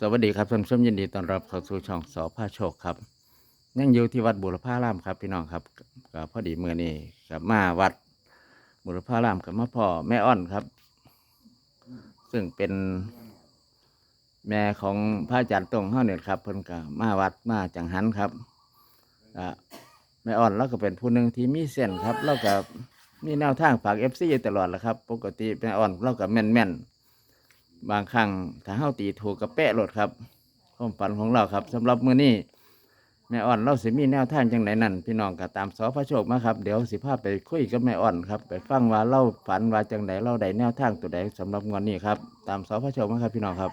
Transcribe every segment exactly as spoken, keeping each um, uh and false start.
วัสดีครับท่านผู้ชมยินดีต้อนรับเข้าสู่ช่องสอพาโชคครับยังอยู่ที่วัดบุรพารามครับพี่น้องครับก็พอดีเมื่อนี้กับมาวัดบุรพารามกับมาพ่อแม่อ้อนครับ ซึ่งเป็นแม่ของพระอาจารย์ตรงเฮาเนี่ยครับเพิ่นก็มาวัดมาจังหันครับอ่าแม่อ้อนเราก็เป็นผู้หนึ่งที่มีเส้นครับเราก็มีแนวทางฝากเอฟซีตลอดแหละครับ ปกติแม่อ้อนเราก็แม่นแม่นบางครั้งถ้าเฮาตีถูกกับแปะรถครับความฝันของเราครับสำหรับมื้อนี้แม่อ่อนเราสิมีแนวทางจังไหนนั่นพี่น้องก็ตามสอพระโชคมาครับเดี๋ยวสิพาไปคุยกับแม่อ่อนครับไปฟังว่าเราฝันว่าจังไหนเราได้แนวทางตัวใดสำหรับงวดนี้ครับตามสอพระโชคมาครับพี่น้องครับ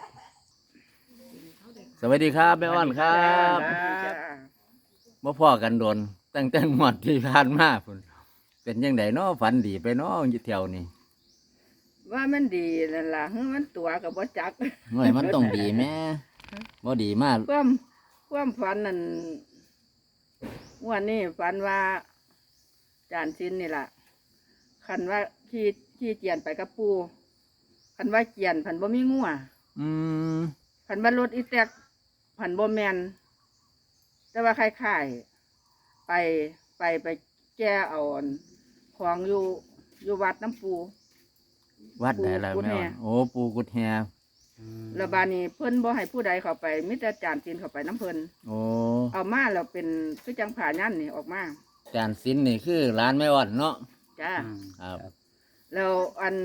สวัสดีครับแม่อ่อนครับจ้าบ่พ้อกันโดนตั้งแต่งวดที่ผ่านมาพุ่นเป็นยังไงเนาะฝันดีไปเนาะอยู่แถวนี้ว่ามันดีนั่นล่ะเฮ้ยมันตัวกับบ่จักหน่วยมันต้องดีแม่บ่ดีมากความความฝันนั่นงวันนี้ฝันว่าจานซินนี่ล่ะคันว่าขี่ขี่เจียนไปกับปูคันว่าเจียนผันบ่มีงัวอืมผันว่ารถอีแตกผันบ่แมนแต่ว่าคล้ายๆไปไปไปแก้เอาอันของอยู่อยู่วัดน้ำปูวัดไหนล่ะปูกุดแม่แฮอ่อนโอ้ปูกุดแฮแล้วบานี้เพิ่นบ่ให้ผู้ใดเข้าไปมิแต่จานจีนเข้าไปน้ำเพิ่นโอ้เอามาแล้วเป็นคือจังผ่ายันนี่ออกมาจานสินนี่คือร้านแม่อ่อนเนาะจ้าครับแล้วอัน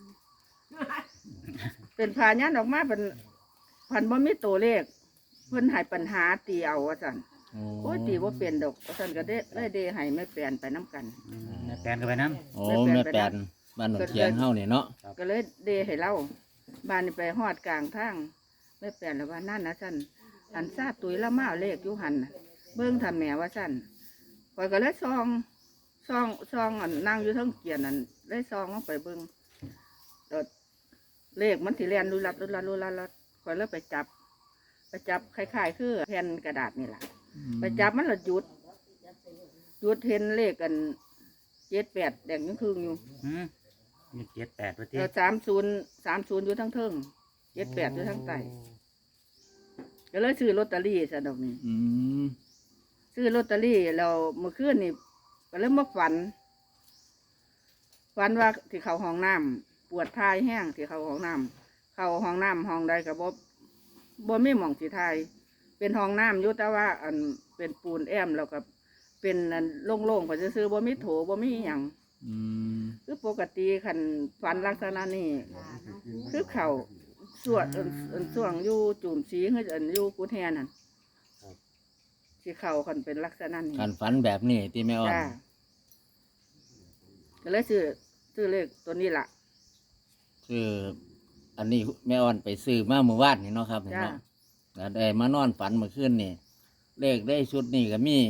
เป็นผ่ายันออกมาเป็นพันบ่มีตัวเลข เพิ่นให้ปัญหาตีเอาว่าซั่นโอ้โอ้ยตีบ่เป็นดอกว่าซั่นก็ได้เลยเดให้แม่แปลนไปน้ำกันแม่แปลนกันไปน้โอ้แม่แปนบ้านหนองเทียนเฮานี่เนาะก็เลยเดให้เล่าบ้านนี่ไปฮอดกลางทางแม่แปลนแล้วว่านั่นนะซั่นอันซาตุยละมาเอาเลขอยู่หันน่ะเบิ่งทำแม่ว่าซั่นข้อยก็เลยซองซองซองอันนั่งอยู่เทั้งเกียนนั่นเลยซองลงไปเบิ่งแล้วเลขมันสิแล่นลุลัดลุลัดลุลัดลุลัดข้อยเลยไปจับ ไปจับคล้ายๆคือแผ่นกระดาษนี่แหละไปจับมันละหยุดหยุดเห็นเลขกันเจ็ดแปดแดงยังครึ่งอยู่ำหืมมีเจ็ดแปดประเทแล้วศสามศูนย์สามศูนย์อยู่ทั้งเทิงเจ็ดแปดอยู่ทั้งใต้ก็เลยซื้อลอตเตอรี่สะดอกนี่อืมซื้อลอตเตอรี่เราเมื่อคืนนี่ก็เริ่มมาฝัน ฝันว่าที่เขาห้องน้ำปวดทายแห้งที่เขาห้องน้ำเขาห้องน้ำห้องใดกับบ่บ่ไม่หม่องสีทาย เป็นห้องน้ำอยู่แต่ว่าอันเป็นปูนแอมแล้วก็เป็นอันโล่งๆก็จะซื้อๆบ่มีโถบ่มีอหย่างอืมคือปกติคันฝันลักษณะนี้คือเขาสวดอันอันส่วงอยู่จุ่มสีคืออันอยู่กุฏแฮนั่นที่เขาคันเป็นลักษณะนี้การฝันแบบนี้ที่แม่อ่อนจ้าก็เลยซื้อซื้อเลขตัวนี้ล่ะคืออันนี้แม่อ่อนไปซื้อมาเมื่อวานนี่เนาะครับจ้าเนาะแล้วได้มานอนฝันเมื่อคืนนี่เลขได้ชุดนี่ก็มี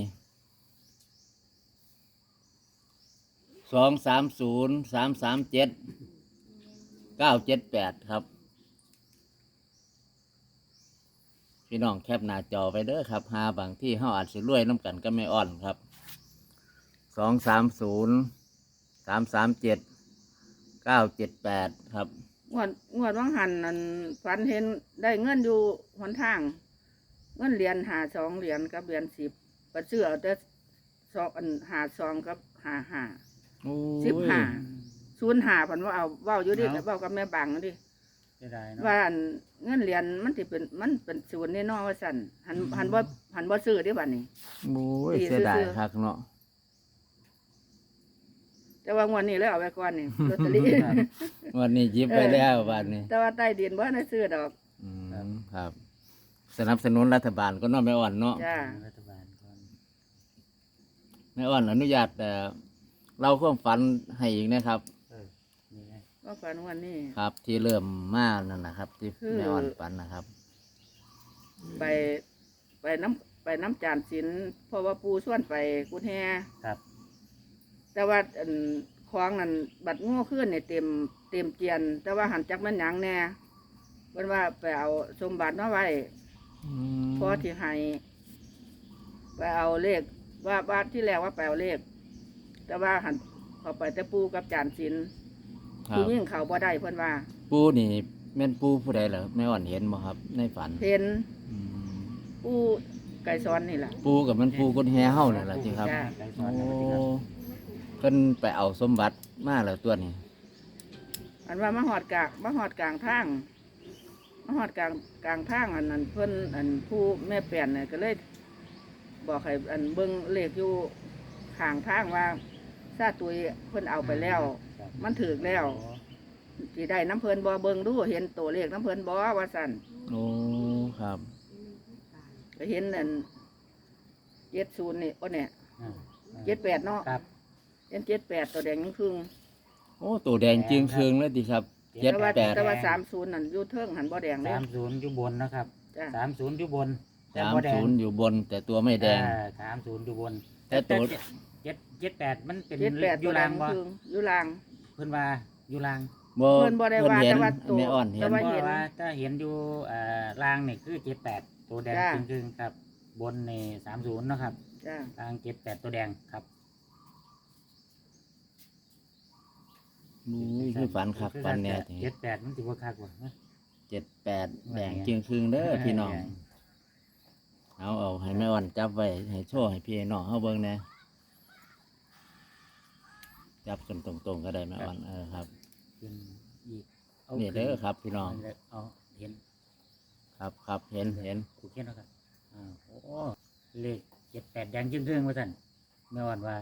สองสามศูนย์สามสามเจ็ดเก้าเจ็ดแปดครับ พี่น้องแคปหน้าจอไปเด้อครับหาบางที่เฮาอาจสิรวยน้ำกันก็ไม่อ่อนครับสองสามศูนย์สามสามเจ็ดเก้าเจ็ดแปดครับงวดงวดวังหันนั่นฝันเห็นได้เงินอยู่หนทาง เงินเหรียญหาสองเหรียญกับเหรียญสิบก็ซื้อเอาแต่สองอันหาสองกับหาหาโอ้สิบยห้าศูนย์หาพันว่าเอาเว้าอยู่ดิเว้ากับแม่บังดิจะได้เนาะว่าอันเงินเหรียญมันสิเป็นมันเป็นศูนย์แน่นอนว่าสั่นหันหันว่าหันว่าซื้อเดิบัดนี้โอ้ยดีเสียดายซื่อๆคักเนาะแต่ว่างวดนี้แล้วเอาไว้ก่อนนี่ลอตเตอรี่วันนี้หยิบไปแล้ววันนี้แต่ว่าใต้ดินบ่ได้ซื้อดอกอืมครับ สนับสนุนรัฐบาลก็เน้อแม่อ่อนเนาะจ้ารัฐบาลก่อนแม่อ่อนอนุญาตแต่เราความฝันให้อีกนะครับเออนี่ไงว่าฝันวันนี้ครับ ที่เริ่มมานั่นนะครับ ที่คือแม่อ่อนฝันนะครับไปไปน้ำไปน้ำจานศิลป์เพราะว่าปูส่วนไปกุฏแฮครับแต่ว่าอันคลองนั่นบัดโง่ขึ้นเนี่ยเต็มเต็มเจียน แต่ว่าหันจักมันหยังแน่เพิ่นว่าไปเอาสมบัติมาไว้ พอที่ให้ไปเอาเลขว่าบ้านที่แรกว่าไปเอาเลข แต่ว่าหันเขาไปแต่ปูกับจานศิลป์ครัผู้บยิ่งเขาบ่ได้เพิ่นว่าปูนี่แม่นปูผู้ใดเหรอแม่อ่อนเห็นบ่ครับ ในฝันเห็นอืมผู้ไก่ซ้อนนี่ล่ะปูกับมันปูกุญแฮเฮานี่ล่ะติครับจ้ะไก่สโอ้อนนะที่ครับเพิ่นไปเอาสมบัติมาแล้วตัวนี้อันว่ามาหอดกลางมาหอดกลางทางมาหอดกลางกลางทางอันนั้นเพิ่นอันผู้แม่แป่นเนี่ยก็เลย บอกให้อันเบิ่งเลขอยู่ข้างทางว่าซาตุยเพิ่นเอาไปแล้วครับมันถึกแล้วโอ้สิได้น้ำเพิ่นบ่เบิ่งดูเห็นตัวเลขน้ำเพิ่นบ่ว่าซั่นโอ้ครับก็เห็นอันเจ็ดศูนย์นี่โอ้เนี่ยอ่าเจ็ดแปดเนาะครับเห็นเจ็ดแปดตัวแดงครึ่งโอ้ตัวแดงจึงเคืองเลยติครับเจ็ดแต่ว่าแปดแต่ว่าสามศูนย์นั่นอยู่เทิงหันบ่แดงเลยสามศูนย์อยู่บนนะครับจ้ะสามศูนย์อยู่บนแต่สามบ่แดงศูนย์อยู่บน แต่ตัวไม่แดงอ่าสามศูนย์อยู่บนแต่ตัวเจ็ดเจ็ดแปดมันเป็นเจ็ดแปดอตัยู่วแดลาง งบ่ครึ่งอยู่ลางเพิ่นว่าอยู่ลางบ่เพิ่นบ่ได้ว่าเห็นแต่ว่าตัวแม่อ่อนเห็แต่นว่าเพเห็นราะว่าถ้าเห็นอยู่อ่าลางนี่คือเจ็ดแปดตัวแดงจ้ะครึ่งๆครับ บนนี่สามศูนย์นาะครับจ้าลางเจ็ดแปดตัวแดงครับมูยคือฝันคักฝันแน่ทีเจ็ดแปดมันสิบ่คักว่ะเจ็ดแปดแดงจึงเคืองเด้อพี่น้อง เอาเอาให้แม่อ่อนจับไว้ให้โชว์ให้พี่น้องเฮาเบิ่งแหน่จับกันตรงๆก็ได้แม่อ่อนเออครับขึ้นอีกานี่เด้อครับพี่น้องเอาเห็นครับครับเห็นเห็นถูกเขียนแล้วครับอ่าโอ้เลขเจ็ดแปดแดงจึงเรื่องว่าท่านแม่อ่อนว่า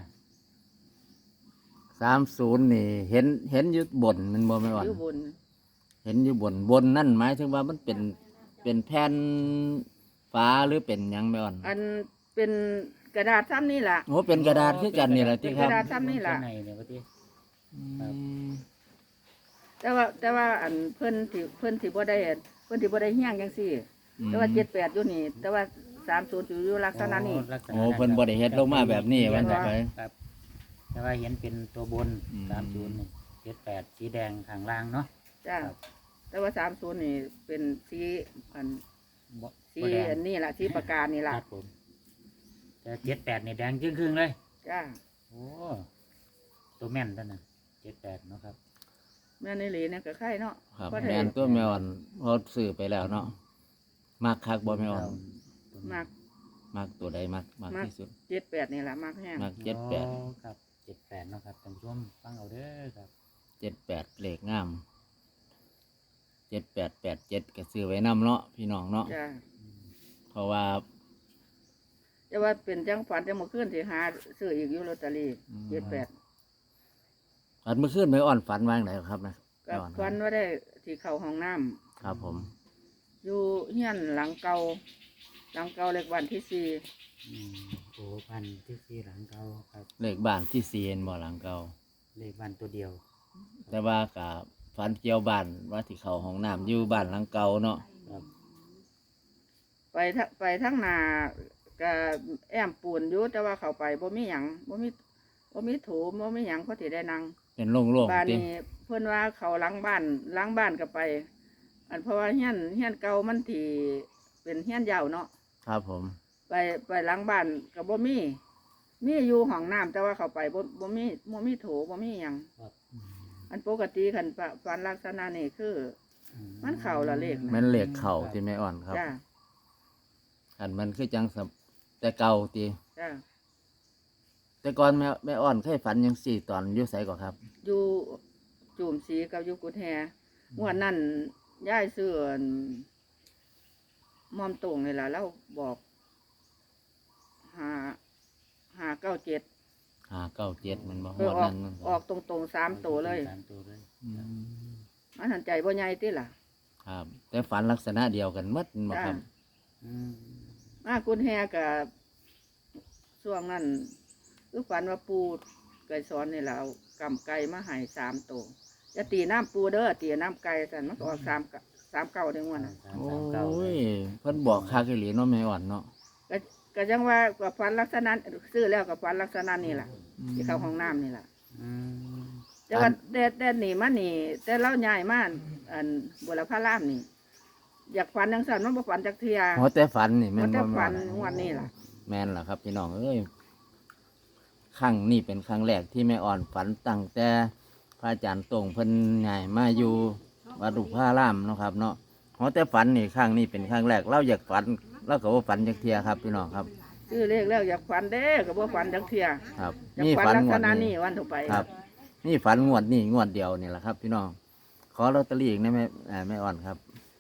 สามศูนย์นี่เห็นเห็นอยู่บนมันบ่แม่อ่อนอยู่บนเห็นอยู่บนบนนั่นหมายถึงว่ามันเป็นเป็นแผ่นฟ้าหรือเป็นหยังแม่อ่อนอันเป็นกระดาษซ้ำนี่ล่ะโอ้เป็นกระดาษคือกันนี่แหละที่ครับเป็นกระดาษ ซ้ำนี่ล่ะในเนี่ยว่าที่อืมแต่ว่าแต่ว่าอันเพิ่นที่เพิ่นที่บ่ได้อันเพิ่นที่บ่ได้เฮี้ยงจังซี่ แต่ว่าเจ็ดแปดอยู่นี่ แต่ว่าสามศูนย์อยู่อยู่ลักษณะนี้ลักษณะโอ้เพิ่นบ่ได้เฮ็ดลงมาแบบนี้วันต่อไปครับแต่ว่าเห็นเป็นตัวบนอืมสามศูนย์เจ็ดแปดสีแดงข้างล่างเนาะจ้าครับแต่ว่าสามศูนย์นี่เป็นสีอันบ่สีบ่แดงอันนี้ล่ะสีประกาศนี่คล่ะรับผมแต่เจ็ดแปดนี่แดงครึ่งๆเลยจ้าโอ้ตัวแม่นท่านน่ะเจ็ดแปดเนาะครับแม่นอี่หลีเนี่ยก็ไข่เนาะครับเพราะได้แม่นตัวแม่อ่อนพอซื้อไปแล้วเนาะมักคักบ่แม่อ่อนมากมักตัวใดมักมักมักที่สุดเจ็ดแปดนี่ล่ะมากแห้งมักเจ็ดแปดอ๋อครับเจ็ดแปดเนาะครับท่านผู้ชมฟังเอาเด้อครับเจ็ดแปดเลขงามเจ็ดแปดแปดเจ็ดก็ซื้อไว้นำเนาะพี่น้องเนาะจ้าอืมเพราะว่าแต่ว่าเป็นจังฝันจังมื้อคืนสิหาซื้ออีกอยู่ลอตเตอรี่เจ็ดแปดฝันเมื่อคืนแม่อ่อนฝันว่างไหนครับนะก็แม่อ่อนคฝัรับนว่าได้ที่เข้าห้องน้ำครับผมอยู่เฮียนหลังเก่าหลังเก่าเล็กวันที่สี่อืมโอ้พันที่สี่หลังเก่าครับเลขบ้านที่ซีเอ็นบ่หลังเก่าเลขบ้านตัวเดียวแต่ว่ากับฝันเกี่ยวบ้านว่าที่เขาห้องน้ำอยู่บ้านหลังเก่าเนาะครับไปทะไปทั้งนาก็แอมปูนอยู่แต่ว่าเขาไปบ่มีหยังบ่มีบ่มีถูบ่มีหยังเขาสิได้นั่งเป็นโล่งบ้านๆตินี้เพิ่นว่าเขาหลังบ้านหลังบ้านก็ไป อันเพราะว่าเฮียนเฮียนเก่ามันที่เป็นเฮียนยาวเนาะครับผมไปไปหลังบ้านก็บ่มีมีอยู่ห้องน้ำแต่ว่าเขาไปบ่บ่มีบ่มีโถบ่มีหยังครับอืมอันปกติคันปะฟันลักษณะนี่คือ มันเข้าละเลขนะแมันเลขเข่าที่แม่อ่อนครับจ้าอันมันคือจังสำแต่เก่าตีจ้าแต่ก่อนแม่แม่อ่อนเคยฝันยังสี่ตอนอยู่ไสก่อนครับอยู่จูมสีกับอยู่กุดแฮงวดนั้นย้ายซื้ออันมอมตรงนี่ล่ะแล้วบอกหาหาเก้าเจ็ดหาเก้าเจ็ดมันบ่ฮเอออดออกนั้นมันออกตรงๆสามตัวเลยสามตัวเลยอืมมันหันใจบ่ใหญ่ติล่ะครับ แต่ฝันลักษณะเดียวกันหมดบ่ครับอืมมากุดแฮกับช่วงนั้นคือฝันว่าปูไก่สอนนี่แหละเอากำไก่มาให้สามตัวจะตีน้ำปูเด้อตีน้ำไก่สันมันก็ออกสามกะสามเก้าเด้งวันน่ะสามโอสามเก้า้ยเพิ่นบอกคักอีหลีเนาะแม่อ่อนเนาะก็ก็จังว่ากับฟันลักษณะซื้อแล้วกับฟันลักษณะนี่แหละที่เข้าห้องน้ำนี่แหละอืมแต่ว่าแต่แต่หนีมานี่ แต่เล่าใหญ่มากอันบุรพารามนี่ อยากฝันยังสั่นมันบ่ฝันจักเทียโอ้แต่ฝันนี่แม่มันนจะบ่แม่ฝัอ่อน นงวดนี้ล่ะแม่นล่ะครับพี่น้องเอ้ยครั้งนี้เป็นครั้งแรกที่แม่อ่อนฝันตั้งแต่พระอาจารย์ตรงเพิ่นใหญ่มาอยู่วัดบุรพารามเนาะครับเนาะเพราะแต่ฝันนี่ครั้งนี้เป็นครั้งแรกเราอยากฝันเราก็ว่าฝันจักเทียครับพี่น้องครับซื้อเลขแล้วอยากฝันเด้ก็บ่ฝันจักเที่ยครับอยากนี่ฝันฝันลักงษวดณะนี้นี้วันต่อไปครับ นี่ฝันงวดนี่งวดเดียวนี่แหละครับ พี่น้องขอลอตเตอรี่อีกนะแม่อ่าแม่อ่อนครับ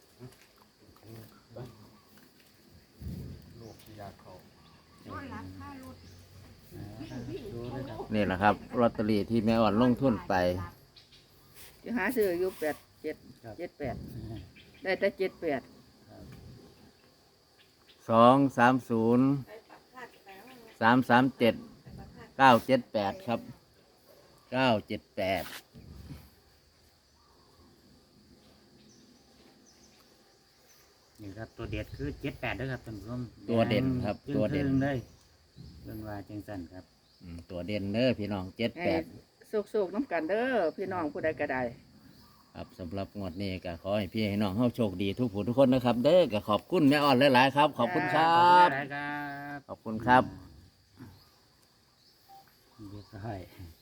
ดูเลยครับนี่แหละครับลอตเตอรี่ที่แม่อ่อนลงทุนไปจะหาซื้ออยู่แปดเจ็ดเจ็ดแปดได้แต่เจ็ดแปดสองสามศูนย์สามสามเจ็ดเก้าเจ็ดแปดครับเก้าเจ็ดแปดนี่ครับตัวเด็ดคือเจ็ดแปดด้วยครับท่านผู้ชมตัวเด่นครับจึ้งตัวเด่นครึ่งเลยเรื่องว่าจังสันครับอืมตัวเด่นเด้อพี่น้องเจ็ดให้แปดโศกๆน้ำกันเด้อพี่น้องผู้ใดก็ได้ครับสำหรับงวดนี้ก็ขอให้พี่ให้น้องเฮาโชคดีทุกผู้ทุกคนนะครับ เด้อก็ขอบคุณแม่อ่อนหลายๆครับ ขอบคุณครัขอบคุณบหลายๆครับขอบคุณครับเรียบร้อย